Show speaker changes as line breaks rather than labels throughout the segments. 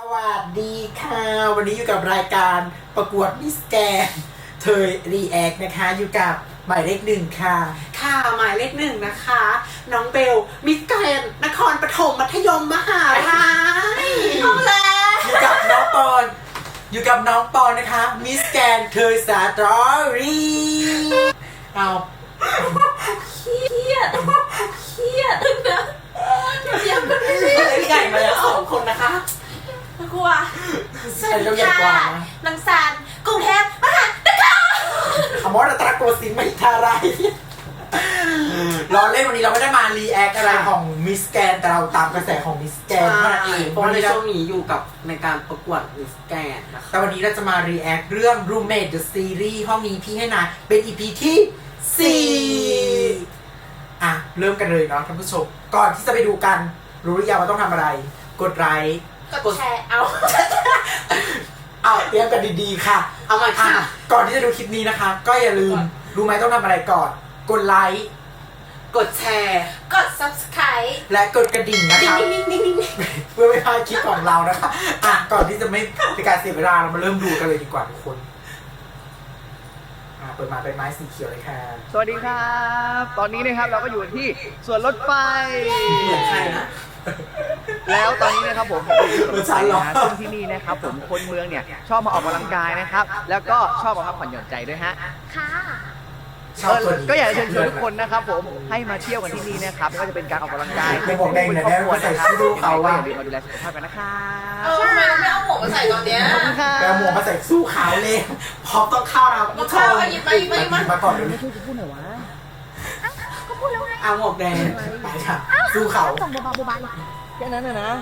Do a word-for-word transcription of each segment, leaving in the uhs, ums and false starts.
วัสดีค่ะวันนี้อยู่กับรายการประกวดมิสแกรนด์เธอรีแอคนะคะอยู่กับหมายเลขหนึ่งค่ะค่ะหมายเลขหนึ่งนะคะน้องเบลมิสแกรนด์นครปฐมมัธยมมหาลัยเอาแล้วอยู่กับน้องปอนอยู่กับน้องปอนนะคะมิสแกรนด์เธอสาตรอรี่เอา
เครียดเครียดนะเสียงมันไม่ใช่ใหญ่มาแล้วสองคนนะคะกลัวสวัสดีค่ะลังสานกรุงเทพมหานคร
อมรตระโกสินทร์มหิทาลัยเราเล่นวันนี้เราไม่ได้มารีแอคอะไรของมิสแกรนด์แต่เราตามกระแสของมิสแกรนด์เท่านั้นเอง
เพราะในช่วงนี้อยู่กับในการประกวดมิสแกรนด์นะคะ
แต่วันนี้เราจะมารีแอคเรื่อง Roommate the Series ห้องนี้พี่ให้นายเป็น อี พี ที่สี่อ่ะเริ่มกันเลยเนาะท่านผู้ชมก่อนที่จะไปดูกันรู้หรือยังว่าต้องทำอะไรกดไลค์
กดแชร์เอา
เอาเตรียมกันดีๆค่ะ
เอาใหม่ค่ะ
ก่อนที่จะดูคลิปนี้นะคะก็อย่าลืมรู้ไหมต้องทำอะไรก่อนกดไลค์
กดแชร์
กด ซับสไครบ์
และกดกระดิ่งนะคะเพื่อไม่พลาดคลิปของเรานะคะอ่ะก่อนที่จะไม่เป็นการเสียเวลาเรามาเริ่มดูกันเลยดีกว่าทุกคนอ่ะเปิดมาเป็นไม้สีเขียวเลยค่ะ
สวัสดีครับตอนนี้นะครับเราก็อยู่ที่สวนรถไฟ
เหมือนใครนะ
แล้วตอนนี้นะครับผม
เหมือนฉันหรอ
ซึ่งที่นี่นะครับผมคนเมืองเนี่ยชอบมาออกกำลังกายนะครับแล้วก็ชอบมาพักผ่อนหย่อนใจด้วยฮะ
ค่ะ
ก็อยากจะเชิญชวนทุกคนนะครับผมให้มาเที่ยวกันที่นี่นะครับไม่ว่าจะเป็นการออกกำลังกาย
เป็นบอกแดงเนี่ยแม่ก็ใส่สู้เขาว่า
อย่าลืมมาดูแลสุขภาพกันนะครับ
เออทำไมเราไม่เอาหมวกมาใส่ตอนเนี้ย
แต่หมวกมาใส่สู้ขาวเลยพร้อมต้องเข้านะ
ผู้ชมหยิบมาหยิบมาหยิบ
มาก่อนเลย
ไม่ช่วยจะพูดหน่อยวะ
ก็พูดแล้วไง
เอาหมวกแดงไปค่ะสู้เขา
ส่งเบาๆเบา
ๆแค่นั้นนะนะ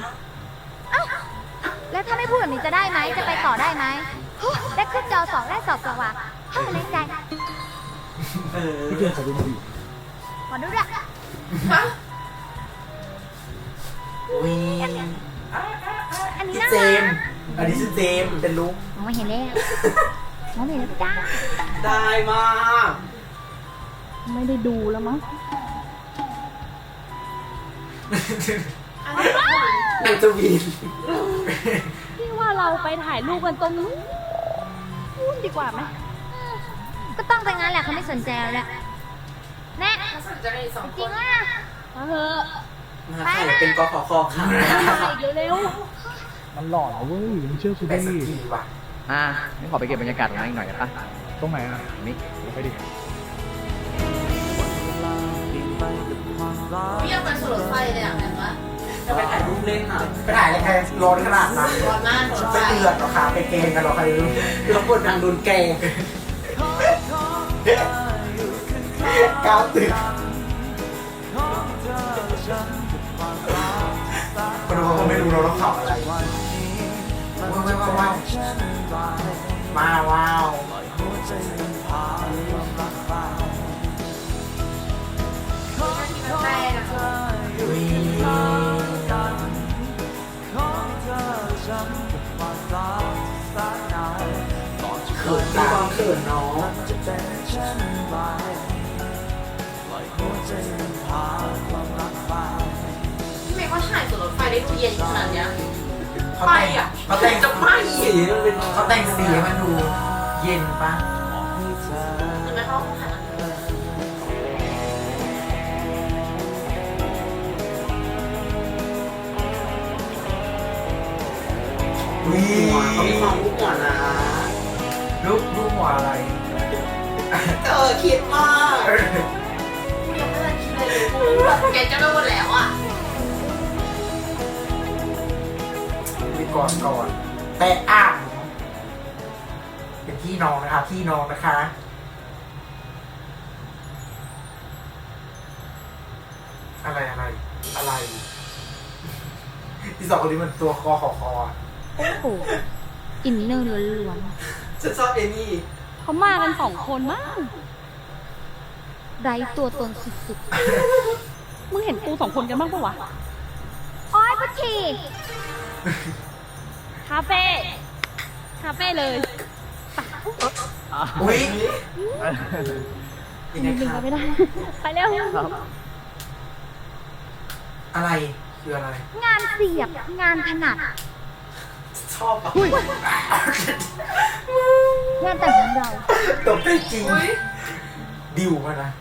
แล้วถ้าไม่พูดแบบนี้จะได้ไหมจะไปต่อได้ไหมได้ขึ้นจอสองได้สอบสว่างเฮ้ยในใจ
เออ
พี่เจนขอดูหน่อย
ขอดูด้วย
วิ
อันนี้
พี่
น่า
เจม
รัก
อันนี้ชื่อเจมเป็นลุก
มองไม่เห็นเลยมองไม่เห็นแล้วจ้า
ได้มาก
ไม่ได้ดูแล้วมั้ง
นางจะวีน
พี่ว่าเราไปถ่ายรูปกันตรงนู้นดีกว่าไหมก็ต้องไปงั้นแหละเขาไม่สนใจแล้วแหละแน่จริงอ่ะมาเถอะ
ไปนะเป็นกขอคอค่ะ
เร็ว
มันหล่อนะเว้ยมึงเชื่อกูดิ
ว่ะ
อ่ะนี่ขอไปเก็บบรรยากาศตรงนั้นอีกหน่อยได้ปะตรงไหนอ่ะนี่ไปดิ
พี่ยังไปสวนรถไฟเลยอ่ะเห็นปะ
จะไปถ่ายรูปเล่นค่ะ
ไปถ่ายอะไรใครร้อนขนาดนั้น
ร้อนมาก
ไปเดือดหรอคะไปเกงกันหรอใครรู้
เราปวดทางโดนแกง
ก้าวตึกคนดูเขาไม่รู้เราต้องขับอะไรว้าวว้าวว้าวว้าว
ใช่นะ
เขินตาเขินน้อง
พี่เมย์ว่าถ่ายสวนรถไฟได้ดูเย็นขนาดเนี้ย
ไปอ่ะเขาแต่งจะไม่สีมันเป็นเขาแต่งสีมันดูเย็นปะ
จะไม่เข้าถ่าย
หัวเขามีความลูกหัวนะ
ลูกลูกหัวอะไร
เออคิดมาก
ยังไม่ทันคิดเลยแกจะโดนแล้วอ่ะ
ไปก่อนก่อนแต่อ่างเป็นพี่น้องนะคะพี่น้องนะคะอะไรอะไรอะไรที่สองคนนี้มันตัวคอขอคอ
โอ้โหอินเนอร์ล้วน
ๆฉันชอบเอนี่
เขามากันสองคนมากไร้ตัวตนสุดๆมึงเห็นกูสองคนกันบ้างปะวะอ้อยพุทธีคาเฟ่คาเฟ่เลย
อุ้ย
ยังไงคะไม่ได้ไปเร็ว
อะไรคืออะไร
งานเสียบงานถนัด
ชอบอ่ะ
งานแต่งของเรา
ตบได้จริงดิวมานะ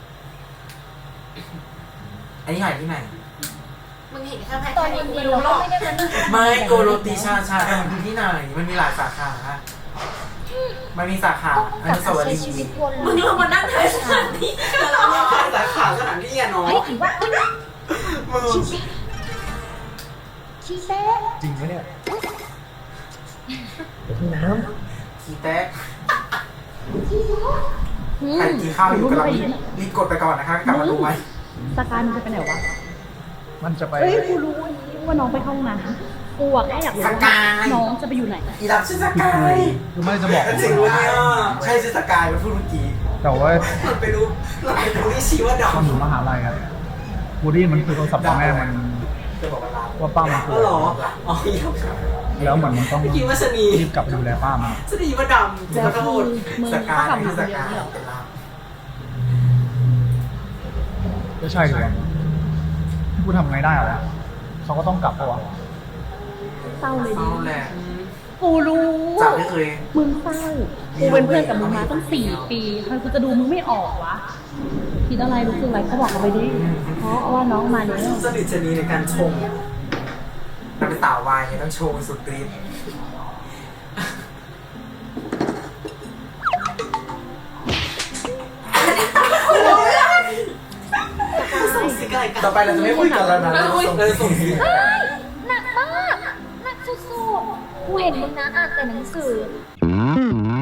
อันนี้หายที่ไหน
มึงเห็นแค่แพ้
ตอนนี้
ไม่
เรา
รู้หร
ก็
อก
ไม่ได้มานั่ง
ไม่โกโรตีชาชามันอยู่ที่ไหนมันมีหลายสาขามันมีสาขาอนุสาวรี
ใช้ชี
ย์
วิตวน
มึงลงมานั่งแทนสถานที่แล้วเรา
สาขาสถานที่อะเนาะ
เฮ้ยถือว่า
มึง
ชีเซ่
จริงไหมเนี่ย
ขี้แตกใครกินข้าวอยู่กำลังรีบกดไปก่อนนะคะกลับมาดูไหม
สกายมันจะไปไหนวะ
มันจะไป
เฮ้ย กูรู้วันนี้ว่าน้องไปเข้าห้องน้ำกูอะแค่อยากรู้
ส
ว่าก
าย
น้องจะไปอยู่ไหน
อีดับชื่อสกาย
คือไม่จะบอก
จริงวะเนี่ยใช่ชื่อสกายมันพูดเมื่อกี้
แต่ว่า
มันไปรู้เราไปรู้ที่ชีว่าด
ตอนอยู่มหาลัยอะบูดี้มันคือโทรศัพท์พ่อแม่มัน
จะบอกว่าลา
ว่าป้ามัน
ำ
ป่
อ๋
ว
อย เหรออ๋ออีก
แล้วเหมือนมันต้อง
เมื่อกี้ว่าชะนี
รีบกลับไปดูแลป้ามัน
ชะนีว่าดำจะ
แล้ว
ขอโท
คือ
ษ
มึง
ส
ก็
กาย
กลับ
คื
มา
อ
ค
ส
นเดียว
กาย
นี่หรอ
เป็นลาบ
ก็ใช่เลยกูทำไงได้อะวะเขาก็ต้องกลับปะวะ
เศร้าเลย
เศ
ดิ
ร้าแหละ
กูรู้
จากไม่เคย
มึงเศร้า กูเป็นเพื่อนกับมึงมาตั้งสี่ปีทำไมกูจะดูมึงไม่ออกวะ คิดอะไรรู้สึกอะไรก็บอกเขาไปดิ เพราะว่าน้องมาเนี่ย
สนิทชนีในการชงนักเป็นสาววายเนี่ยต้องโชว์สุดฤทธิ์
ส่งสิกอะไรกัน
ต่อไปเราจะไม่คุยกันแล้วนะเราจะส่งเลยส่งสิ
เฮ้ยหนักมากหนักสุดๆกูเห็นมึงนะอ่านแต่หนังสือ